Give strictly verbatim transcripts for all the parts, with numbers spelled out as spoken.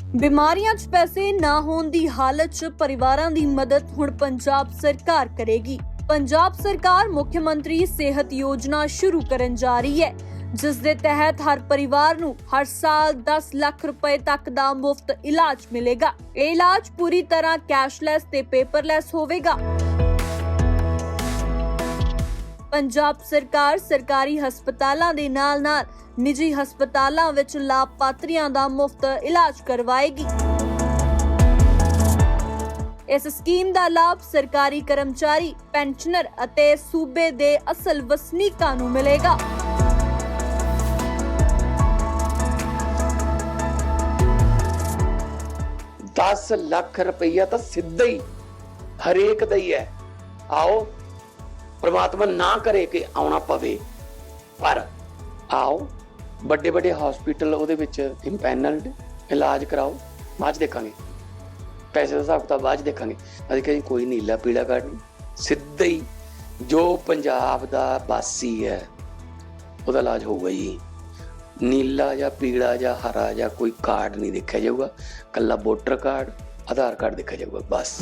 ਬਿਮਾਰੀਆਂ 'ਚ ਪੈਸੇ ਨਾ ਹੋਣ ਦੀ ਹਾਲਤ 'ਚ ਪਰਿਵਾਰਾਂ ਦੀ ਮਦਦ ਹੁਣ ਪੰਜਾਬ ਸਰਕਾਰ ਕਰੇਗੀ। ਪੰਜਾਬ ਸਰਕਾਰ ਮੁੱਖ ਮੰਤਰੀ ਸਿਹਤ ਯੋਜਨਾ ਸ਼ੁਰੂ ਕਰਨ ਜਾ ਰਹੀ ਹੈ, ਜਿਸ ਦੇ ਤਹਿਤ ਹਰ ਪਰਿਵਾਰ ਨੂੰ ਹਰ ਸਾਲ ਦਸ ਲੱਖ ਰੁਪਏ ਤੱਕ ਦਾ ਮੁਫਤ ਇਲਾਜ ਮਿਲੇਗਾ। ਇਹ ਇਲਾਜ ਪੂਰੀ ਤਰ੍ਹਾਂ ਕੈਸ਼ਲੈਸ ਤੇ ਪੇਪਰਲੈਸ ਹੋਵੇਗਾ। ਪੰਜਾਬ ਸਰਕਾਰ ਸਰਕਾਰੀ ਹਸਪਤਾਲਾਂ ਦੇ ਨਾਲ-ਨਾਲ ਨਿੱਜੀ ਹਸਪਤਾਲਾਂ ਵਿੱਚ ਲਾਭਪਾਤਰੀਆਂ ਦਾ ਮੁਫਤ ਇਲਾਜ ਕਰਵਾਏਗੀ। ਇਸ ਸਕੀਮ ਦਾ ਲਾਭ ਸਰਕਾਰੀ ਕਰਮਚਾਰੀ, ਪੈਨਸ਼ਨਰ ਅਤੇ ਸੂਬੇ ਦੇ ਅਸਲ ਵਸਨੀਕਾਂ ਨੂੰ ਮਿਲੇਗਾ। दस ਲੱਖ ਰੁਪਈਆ ਤਾਂ ਸਿੱਧਾ ਹੀ ਹਰੇਕ ਦਾ ਹੀ ਹੈ। ਆਓ, ਪ੍ਰਮਾਤਮਾ ਨਾ ਕਰੇ ਕਿ ਆਉਣਾ ਪਵੇ, ਪਰ ਆਓ, ਵੱਡੇ ਵੱਡੇ ਹਸਪੀਟਲ ਉਹਦੇ ਵਿੱਚ ਇੰਪੈਨਲਡ, ਇਲਾਜ ਕਰਾਓ, ਬਾਅਦ 'ਚ ਦੇਖਾਂਗੇ ਪੈਸੇ ਦਾ ਹਿਸਾਬ ਕਿਤਾਬ, ਬਾਅਦ 'ਚ ਦੇਖਾਂਗੇ। ਅਸੀਂ ਕਹਿੰਦੇ ਕੋਈ ਨੀਲਾ ਪੀਲਾ ਕਾਰਡ ਨਹੀਂ, ਸਿੱਧਾ ਹੀ ਜੋ ਪੰਜਾਬ ਦਾ ਵਾਸੀ ਹੈ ਉਹਦਾ ਇਲਾਜ ਹੋਊਗਾ ਜੀ। ਨੀਲਾ ਜਾਂ ਪੀਲਾ ਜਾਂ ਹਰਾ ਜਾਂ ਕੋਈ ਕਾਰਡ ਨਹੀਂ ਦੇਖਿਆ ਜਾਊਗਾ, ਕੱਲਾ ਵੋਟਰ ਕਾਰਡ, ਆਧਾਰ ਕਾਰਡ ਦੇਖਿਆ ਜਾਊਗਾ ਬਸ।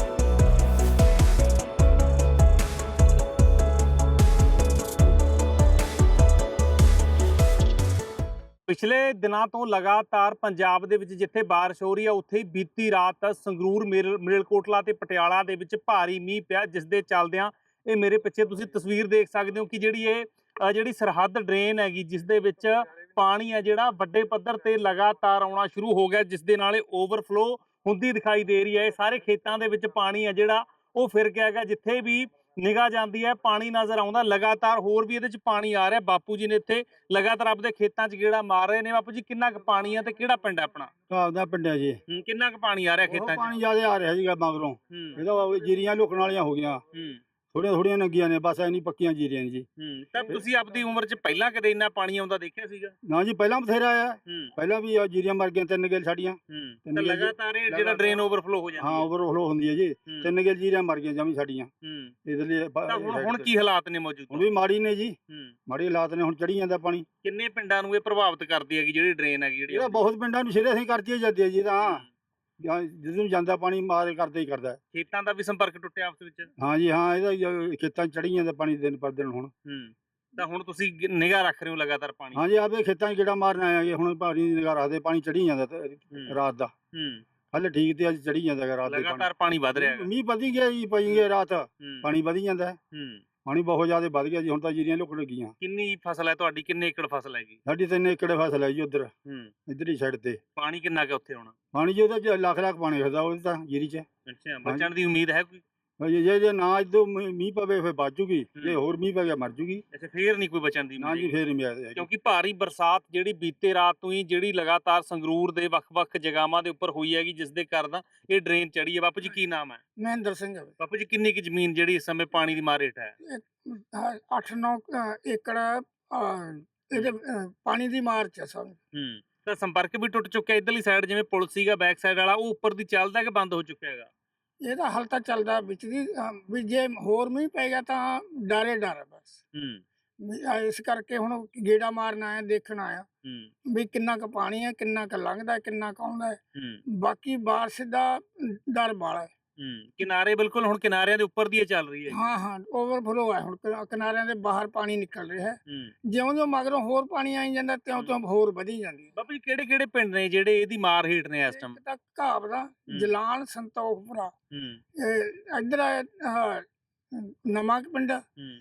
ਪਿਛਲੇ ਦਿਨਾਂ ਤੋਂ ਲਗਾਤਾਰ ਪੰਜਾਬ ਦੇ ਵਿੱਚ ਜਿੱਥੇ ਬਾਰਿਸ਼ ਹੋ ਰਹੀ ਹੈ, ਉੱਥੇ ਹੀ ਬੀਤੀ ਰਾਤ ਸੰਗਰੂਰ, ਮਲੇਰਕੋਟਲਾ ਤੇ ਪਟਿਆਲਾ ਦੇ ਵਿੱਚ ਭਾਰੀ ਮੀਂਹ ਪਿਆ, ਜਿਸ ਦੇ ਚੱਲਦਿਆਂ ਇਹ ਮੇਰੇ ਪਿੱਛੇ ਤੁਸੀਂ ਤਸਵੀਰ ਦੇਖ ਸਕਦੇ ਹੋ ਕਿ ਜਿਹੜੀ ਇਹ ਜਿਹੜੀ ਸਰਹੱਦ ਡਰੇਨ ਹੈਗੀ, ਜਿਸ ਦੇ ਵਿੱਚ ਪਾਣੀ ਹੈ ਜਿਹੜਾ ਵੱਡੇ ਪੱਧਰ ਤੇ ਲਗਾਤਾਰ ਆਉਣਾ ਸ਼ੁਰੂ ਹੋ ਗਿਆ, ਜਿਸ ਦੇ ਨਾਲ ਇਹ ਓਵਰਫਲੋ ਹੁੰਦੀ ਦਿਖਾਈ ਦੇ ਰਹੀ ਹੈ। ਇਹ ਸਾਰੇ ਖੇਤਾਂ ਦੇ ਵਿੱਚ ਪਾਣੀ ਹੈ ਜਿਹੜਾ ਉਹ ਫਿਰ ਗਿਆ ਹੈਗਾ, ਜਿੱਥੇ ਵੀ ਨਿਗਾਹ ਜਾਂਦੀ ਹੈ ਪਾਣੀ ਨਜ਼ਰ ਆਉਂਦਾ। ਲਗਾਤਾਰ ਹੋਰ ਵੀ ਇਹਦੇ ਚ ਪਾਣੀ ਆ ਰਿਹਾ। ਬਾਪੂ ਜੀ ਨੇ ਇੱਥੇ ਲਗਾਤਾਰ ਆਪਣੇ ਖੇਤਾਂ 'ਚ ਗੇੜਾ ਮਾਰ ਰਹੇ ਨੇ। ਬਾਪੂ ਜੀ, ਕਿੰਨਾ ਕੁ ਪਾਣੀ ਆ ਤੇ ਕਿਹੜਾ ਪਿੰਡ ਹੈ ਆਪਣਾ? ਆਪਦਾ ਪਿੰਡ ਹੈ ਜੀ। ਕਿੰਨਾ ਕੁ ਪਾਣੀ ਆ ਰਿਹਾ ਖੇਤਾਂ 'ਚ? ਪਾਣੀ ਜ਼ਿਆਦਾ ਆ ਰਿਹਾ ਸੀਗਾ ਮਗਰੋਂ, ਇਹਦਾ ਜੀਰੀਆਂ ਲੁਕਣ ਵਾਲੀਆਂ ਹੋ ਗਈਆਂ, ਥੋੜੀਆਂ ਥੋੜੀਆਂ ਨੰਗੀਆਂ ਨੇ, ਬਸ ਐਨੀ ਪੱਕੀਆਂ ਜੀਰੀਆਂ ਨੇ ਜੀ। ਤਾਂ ਤੁਸੀਂ ਆਪਦੀ ਉਮਰ 'ਚ ਪਹਿਲਾਂ ਕਦੇ ਇੰਨਾ ਪਾਣੀ ਆਉਂਦਾ ਦੇਖਿਆ ਸੀਗਾ? ਨਾ ਜੀ, ਪਹਿਲਾਂ ਬਥੇਰਾ ਆਇਆ, ਪਹਿਲਾਂ ਵੀ ਜੀਰੀਆਂ ਮਰ ਗਈਆਂ, ਤਿੰਨ ਗੇਲ ਸਾਡੀਆਂ। ਤੇ ਲਗਾਤਾਰ ਇਹ ਜਿਹੜਾ ਡਰੇਨ ਓਵਰਫਲੋ ਹੋ ਜਾਂਦਾ? ਹਾਂ, ਓਵਰਫਲੋ ਹੁੰਦੀ ਹੈ ਜੀ, ਤਿੰਨ ਗੇਲ ਜੀਰੀਆਂ ਮਰ ਗਈਆਂ ਜਮੀ ਸਾਡੀਆਂ। ਇਹਦੇ ਲਈ ਹੁਣ ਹੁਣ ਕੀ ਹਾਲਾਤ ਨੇ ਮੌਜੂਦ? ਹੁਣ ਵੀ ਮਾੜੀ ਨੇ ਜੀ, ਮਾੜੀ ਹਾਲਾਤ ਨੇ, ਹੁਣ ਚੜੀ ਜਾਂਦਾ ਪਾਣੀ। ਕਿੰਨੇ ਪਿੰਡਾਂ ਨੂੰ ਇਹ ਪ੍ਰਭਾਵਿਤ ਕਰਦੀ ਹੈਗੀ ਜਿਹੜੀ ਡਰੇਨ ਹੈਗੀ ਜਿਹੜੀ? ਇਹ ਬਹੁਤ ਪਿੰਡਾਂ ਨੂੰ ਸਿਰੇ ਅਸੀਂ ਕਰਦੀ ਜਾਂਦੀ ਹੈ ਜੀ। ਤਾਂ ਜਦੋਂ ਜਾਂਦਾ ਪਾਣੀ ਮਾਰੇ ਕਰਦਾ ਹੀ ਕਰਦਾ। ਖੇਤਾਂ ਦਾ ਵੀ ਸੰਪਰਕ ਟੁੱਟਿਆ ਆਪਸ ਵਿੱਚ? ਹਾਂ ਜੀ, ਹਾਂ, ਇਹਦਾ ਖੇਤਾਂ 'ਚ ਚੜੀ ਜਾਂਦਾ ਪਾਣੀ ਦਿਨ ਪਰ ਦਿਨ। ਹੁਣ ਤਾਂ ਹੁਣ ਤੁਸੀਂ ਨਿਗਾਹ ਰੱਖ ਰਹੇ ਹੋ ਲਗਾਤਾਰ ਪਾਣੀ? ਹਾਂ ਜੀ, ਆਪੇ ਖੇਤਾਂ 'ਚ ਗੇੜਾ ਮਾਰਨ ਆਇਆ, ਹੁਣ ਪਾਣੀ ਦੀ ਨਿਗਾਹ ਰੱਖਦੇ, ਪਾਣੀ ਚੜੀ ਜਾਂਦਾ ਰਾਤ ਦਾ। ਹਲੇ ਠੀਕ ਤੇ ਅੱਜ ਚੜੀ ਜਾਂਦਾ ਰਾਤ ਦੇ। ਲਗਾਤਾਰ ਪਾਣੀ ਵੱਧ ਰਿਹਾ ਹੈ, ਮੀਂਹ ਵਧੀ ਗਿਆ ਜੀ, ਪਈ ਗਿਆ ਰਾਤ, ਪਾਣੀ ਵਧੀ ਜਾਂਦਾ। ਪਾਣੀ ਬਹੁਤ ਜ਼ਿਆਦਾ ਵੱਧ ਗਿਆ ਜੀ, ਹੁਣ ਤਾਂ ਜੀਰੀਆਂ ਲੁਕ ਲੱਗੀਆਂ। ਕਿੰਨੀ ਫਸਲ ਹੈ ਤੁਹਾਡੀ? ਕਿੰਨੇ ਏਕੜ ਫਸਲ ਹੈਗੀ? ਸਾਡੀ ਤਿੰਨ ਏਕੜ ਫਸਲ ਹੈ ਜੀ ਉਧਰ, ਇੱਧਰਲੀ ਸਾਈਡ ਤੇ। ਪਾਣੀ ਕਿੰਨਾ ਕੁ ਉੱਥੇ ਹੋਣਾ? ਪਾਣੀ ਜੀ ਉਹਦਾ ਲੱਖ ਲੱਖ ਪਾਣੀ ਹੁੰਦਾ ਉਹਦੇ ਤਾਂ ਜੀਰੀ 'ਚ। ਅੱਛਾ, ਬਚਣ ਦੀ ਉਮੀਦ ਹੈ ਕੋਈ? ਜੇ ਜੇ ਨਾ ਇਦੋਂ ਮੀਂਹ ਪਵੇ ਫਿਰ ਬਚ ਜੂਗੀ, ਜੇ ਹੋਰ ਮੀਂਹ ਪੈ ਗਿਆ ਮਰ ਜੂਗੀ। ਅੱਛਾ, ਫੇਰ ਨਹੀਂ ਕੋਈ ਬਚਣ ਦੀ ਉਮੀਦ? ਨਾ ਜੀ, ਫੇਰ ਨਹੀਂ ਮਿਲਦਾ, ਕਿਉਂਕਿ ਭਾਰੀ ਬਰਸਾਤ ਜਿਹੜੀ ਬੀਤੇ ਰਾਤ ਤੋਂ ਹੀ ਜਿਹੜੀ ਲਗਾਤਾਰ ਸੰਗਰੂਰ ਦੇ ਵੱਖ-ਵੱਖ ਜਗ੍ਹਾਵਾਂ ਦੇ ਉੱਪਰ ਹੋਈ ਹੈਗੀ, ਜਿਸ ਦੇ ਕਾਰਨ ਇਹ ਡਰੇਨ ਚੜੀ ਹੈ। ਬਾਪੂ ਜੀ, ਕੀ ਨਾਮ ਹੈ? ਮਹਿੰਦਰ ਸਿੰਘ। ਬਾਪੂ ਜੀ, ਕਿੰਨੀ ਕੁ ਜ਼ਮੀਨ ਜਿਹੜੀ ਇਸ ਸਮੇਂ ਪਾਣੀ ਦੀ ਮਾਰ ਹੇਠ ਹੈ? ਅੱਠ ਨੌ ਏਕੜ ਇਹਦੇ ਪਾਣੀ ਦੀ ਮਾਰ 'ਚ ਸਭ। ਹੂੰ, ਤਾਂ ਸੰਪਰਕ ਵੀ ਟੁੱਟ ਚੁੱਕਿਆ। ਇੱਧਰਲੀ ਸਾਈਡ ਜਿਵੇਂ ਪੁਲ ਸੀਗਾ ਬੈਕ ਸਾਈਡ ਵਾਲਾ, ਉਹ ਉੱਪਰ ਦੀ ਚੱਲਦਾ ਕਿ ਬੰਦ ਹੋ ਚੁੱਕਿਆ ਹੈਗਾ? ਇਹਦਾ ਹਲ ਤਾਂ ਚੱਲਦਾ ਵਿੱਚ ਦੀ, ਵੀ ਜੇ ਹੋਰ ਮੀਂਹ ਪੈ ਗਿਆ ਤਾਂ ਡਰੇ ਡਰ ਬਸ। ਇਸ ਕਰਕੇ ਹੁਣ ਗੇੜਾ ਮਾਰਨ ਆਇਆ, ਦੇਖਣ ਆਇਆ ਵੀ ਕਿੰਨਾ ਕੁ ਪਾਣੀ ਹੈ, ਕਿੰਨਾ ਕੁ ਲੰਘਦਾ, ਕਿੰਨਾ ਕੁ ਆਉਂਦਾ। ਬਾਕੀ ਬਾਰਿਸ਼ ਦਾ ਡਰ ਵਾਲਾ ਹੈ। ਕਿਨਾਰੇ ਬਿਲਕੁਲ ਹੁਣ ਕਿਨਾਰਿਆਂ ਦੇ ਉੱਪਰ ਦੀ ਇਹ ਚੱਲ ਰਹੀ ਹੈ? ਹਾਂ ਹਾਂ, ਓਵਰਫਲੋ ਹੈ ਹੁਣ, ਕਿਨਾਰਿਆਂ ਦੇ ਬਾਹਰ ਪਾਣੀ ਨਿਕਲ ਰਿਹਾ ਹੈ। ਜਿਉਂ ਜਿਉਂ ਮਗਰੋਂ ਹੋਰ ਪਾਣੀ ਆਈ ਜਾਂਦਾ, ਤਿਉਂ ਤਿਉਂ ਹੋਰ ਵਧੀ ਜਾਂਦੀ ਹੈ। ਬਾਬਾ ਜੀ, ਕਿਹੜੇ ਕਿਹੜੇ ਪਿੰਡ ਨੇ ਜਿਹੜੇ ਇਹਦੀ ਮਾਰ ਹੇਠ ਨੇ ਇਸ ਟਾਈਮ? ਤਾਂ ਘਾਬ ਦਾ, ਜਲਾਨ, ਸੰਤੋਖਪੁਰਾ, ਇੱਧਰ ਨਵਾਂ ਪਿੰਡ,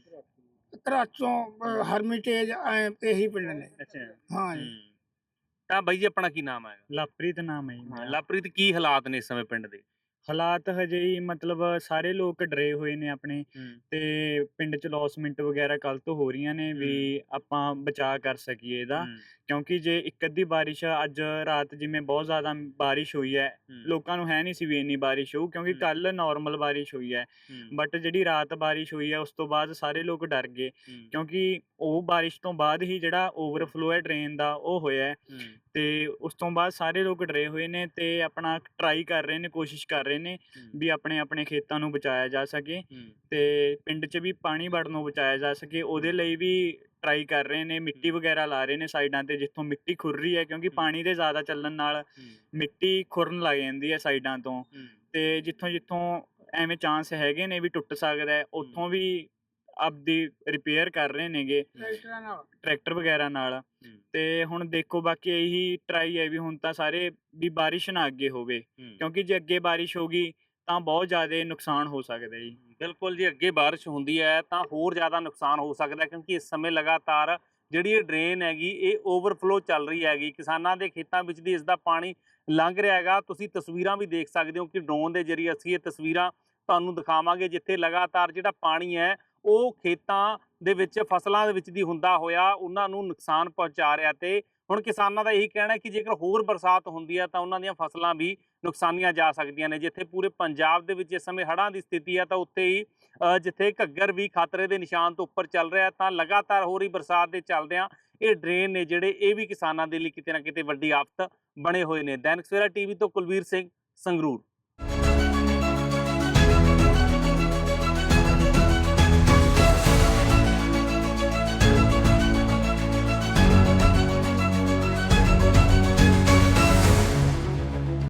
ਘਰਾਚੋਂ, ਹਰਮਿਟੇਜ, ਇਹੀ ਪਿੰਡ ਨੇ। ਹਾਂ ਜੀ। ਤਾਂ ਬਾਈ ਜੀ, ਆਪਣਾ ਕੀ ਨਾਮ ਹੈ? ਲਵਪ੍ਰੀਤ ਨਾਮ ਹੈ ਜੀ। ਲਵਪ੍ਰੀਤ, ਕੀ ਹਾਲਾਤ ਨੇ ਇਸ ਸਮੇਂ ਪਿੰਡ ਦੇ? ਹਾਲਾਤ ਹਜੇ ਹੀ ਮਤਲਬ ਸਾਰੇ ਲੋਕ ਡਰੇ ਹੋਏ ਨੇ ਆਪਣੇ, ਤੇ ਪਿੰਡ 'ਚ ਲੌਸਮੈਂਟ ਵਗੈਰਾ ਕੱਲ੍ਹ ਤੋਂ ਹੋ ਰਹੀਆਂ ਨੇ ਵੀ ਆਪਾਂ ਬਚਾਅ ਕਰ ਸਕੀਏ ਇਹਦਾ। ਕਿਉਂਕਿ ਜੇ ਇੱਕ ਅੱਧੀ ਬਾਰਿਸ਼ ਅੱਜ ਰਾਤ ਜਿਵੇਂ ਬਹੁਤ ਜ਼ਿਆਦਾ ਬਾਰਿਸ਼ ਹੋਈ ਹੈ, ਲੋਕਾਂ ਨੂੰ ਹੈ ਨਹੀਂ ਸੀ ਵੀ ਇੰਨੀ ਬਾਰਿਸ਼ ਹੋਊ, ਕਿਉਂਕਿ ਕੱਲ੍ਹ ਨੋਰਮਲ ਬਾਰਿਸ਼ ਹੋਈ ਹੈ। ਬਟ ਜਿਹੜੀ ਰਾਤ ਬਾਰਿਸ਼ ਹੋਈ ਹੈ ਉਸ ਤੋਂ ਬਾਅਦ ਸਾਰੇ ਲੋਕ ਡਰ ਗਏ, ਕਿਉਂਕਿ ਉਹ ਬਾਰਿਸ਼ ਤੋਂ ਬਾਅਦ ਹੀ ਜਿਹੜਾ ਓਵਰਫਲੋ ਹੈ ਡਰੇਨ ਦਾ ਉਹ ਹੋਇਆ, ਤੇ ਉਸ ਤੋਂ ਬਾਅਦ ਸਾਰੇ ਲੋਕ ਡਰੇ ਹੋਏ ਨੇ ਤੇ ਆਪਣਾ ਟਰਾਈ ਕਰ ਰਹੇ ਨੇ, ਕੋਸ਼ਿਸ਼ ਕਰ ਰਹੇ ਨੇ ਵੀ ਆਪਣੇ ਆਪਣੇ ਖੇਤਾਂ ਨੂੰ ਬਚਾਇਆ ਜਾ ਸਕੇ ਤੇ ਪਿੰਡ 'ਚ ਵੀ ਪਾਣੀ ਵੜਨੋਂ ਬਚਾਇਆ ਜਾ ਸਕੇ। ਉਹਦੇ ਲਈ ਵੀ ਟਰਾਈ ਕਰ ਰਹੇ ਨੇ, ਮਿੱਟੀ ਵਗੈਰਾ ਲਾ ਰਹੇ ਨੇ ਸਾਈਡਾਂ ਤੇ ਜਿੱਥੋਂ ਮਿੱਟੀ ਖੁਰ ਰਹੀ ਹੈ, ਕਿਉਂਕਿ ਪਾਣੀ ਦੇ ਜ਼ਿਆਦਾ ਚੱਲਣ ਨਾਲ ਮਿੱਟੀ ਖੁਰਨ ਲੱਗ ਜਾਂਦੀ ਹੈ ਸਾਈਡਾਂ ਤੋਂ। ਤੇ ਜਿੱਥੋਂ ਜਿੱਥੋਂ ਐਵੇਂ ਚਾਂਸ ਹੈਗੇ ਨੇ ਵੀ ਟੁੱਟ ਸਕਦਾ ਹੈ, ਉੱਥੋਂ ਵੀ ਆਪਦੀ ਰਿਪੇਅਰ ਕਰ ਰਹੇ ਨੇਗੇ ਟਰੈਕਟਰਾਂ ਨਾਲ ਟਰੈਕਟਰ ਵਗੈਰਾ ਨਾਲ। ਤੇ ਹੁਣ ਦੇਖੋ ਬਾਕੀ ਇਹੀ ਟਰਾਈ ਹੈ ਵੀ ਹੁਣ ਤਾਂ ਸਾਰੇ ਵੀ ਬਾਰਿਸ਼ ਨਾ ਅੱਗੇ ਹੋਵੇ, ਕਿਉਂਕਿ ਜੇ ਅੱਗੇ ਬਾਰਿਸ਼ ਹੋ ਗਈ ਤਾਂ ਬਹੁਤ ਜ਼ਿਆਦਾ ਨੁਕਸਾਨ ਹੋ ਸਕਦਾ ਜੀ। ਬਿਲਕੁਲ ਜੀ, ਅੱਗੇ ਬਾਰਿਸ਼ ਹੁੰਦੀ ਹੈ ਤਾਂ ਹੋਰ ਜ਼ਿਆਦਾ ਨੁਕਸਾਨ ਹੋ ਸਕਦਾ, ਕਿਉਂਕਿ ਇਸ ਸਮੇਂ ਲਗਾਤਾਰ ਜਿਹੜੀ ਇਹ ਡਰੇਨ ਹੈਗੀ ਇਹ ਓਵਰਫਲੋ ਚੱਲ ਰਹੀ ਹੈਗੀ। ਕਿਸਾਨਾਂ ਦੇ ਖੇਤਾਂ ਵਿੱਚ ਦੀ ਇਸ ਦਾ ਪਾਣੀ ਲੰਘ ਰਿਹਾ ਹੈਗਾ। ਤੁਸੀਂ ਤਸਵੀਰਾਂ ਵੀ ਦੇਖ ਸਕਦੇ ਹੋ ਕਿ ਡਰੋਨ ਦੇ ਜ਼ਰੀਏ ਅਸੀਂ ਇਹ ਤਸਵੀਰਾਂ ਤੁਹਾਨੂੰ ਦਿਖਾਵਾਂਗੇ, ਜਿੱਥੇ ਲਗਾਤਾਰ ਜਿਹੜਾ ਪਾਣੀ ਹੈ ਉਹ ਖੇਤਾਂ ਦੇ ਵਿੱਚ ਫਸਲਾਂ ਦੇ ਵਿੱਚ ਦੀ ਹੁੰਦਾ ਹੋਇਆ ਉਹਨਾਂ ਨੂੰ ਨੁਕਸਾਨ ਪਹੁੰਚਾ ਰਿਹਾ। ਤੇ ਹੁਣ ਕਿਸਾਨਾਂ ਦਾ ਇਹੀ ਕਹਿਣਾ ਹੈ ਕਿ ਜੇਕਰ ਹੋਰ ਬਰਸਾਤ ਹੁੰਦੀ ਹੈ ਤਾਂ ਉਹਨਾਂ ਦੀਆਂ ਫਸਲਾਂ ਵੀ ਨੁਕਸਾਨੀਆਂ ਜਾ ਸਕਦੀਆਂ ਨੇ। ਜਿੱਥੇ ਪੂਰੇ ਪੰਜਾਬ ਦੇ ਵਿੱਚ ਇਸ ਸਮੇਂ ਹੜ੍ਹਾਂ ਦੀ ਸਥਿਤੀ ਹੈ ਤਾਂ ਉੱਥੇ ਹੀ ਜਿੱਥੇ ਘੱਗਰ ਵੀ ਖਤਰੇ ਦੇ ਨਿਸ਼ਾਨ ਤੋਂ ਉੱਪਰ ਚੱਲ ਰਿਹਾ, ਤਾਂ ਲਗਾਤਾਰ ਹੋ ਰਹੀ ਬਰਸਾਤ ਦੇ ਚੱਲਦਿਆਂ ਇਹ ਡਰੇਨ ਨੇ ਜਿਹੜੇ ਇਹ ਵੀ ਕਿਸਾਨਾਂ ਦੇ ਲਈ ਕਿਤੇ ਨਾ ਕਿਤੇ ਵੱਡੀ ਆਫਤ ਬਣੇ ਹੋਏ ਨੇ। ਦੈਨਿਕ ਸਵੇਰਾ ਟੀਵੀ ਤੋਂ ਕੁਲਵੀਰ ਸਿੰਘ, ਸੰਗਰੂਰ।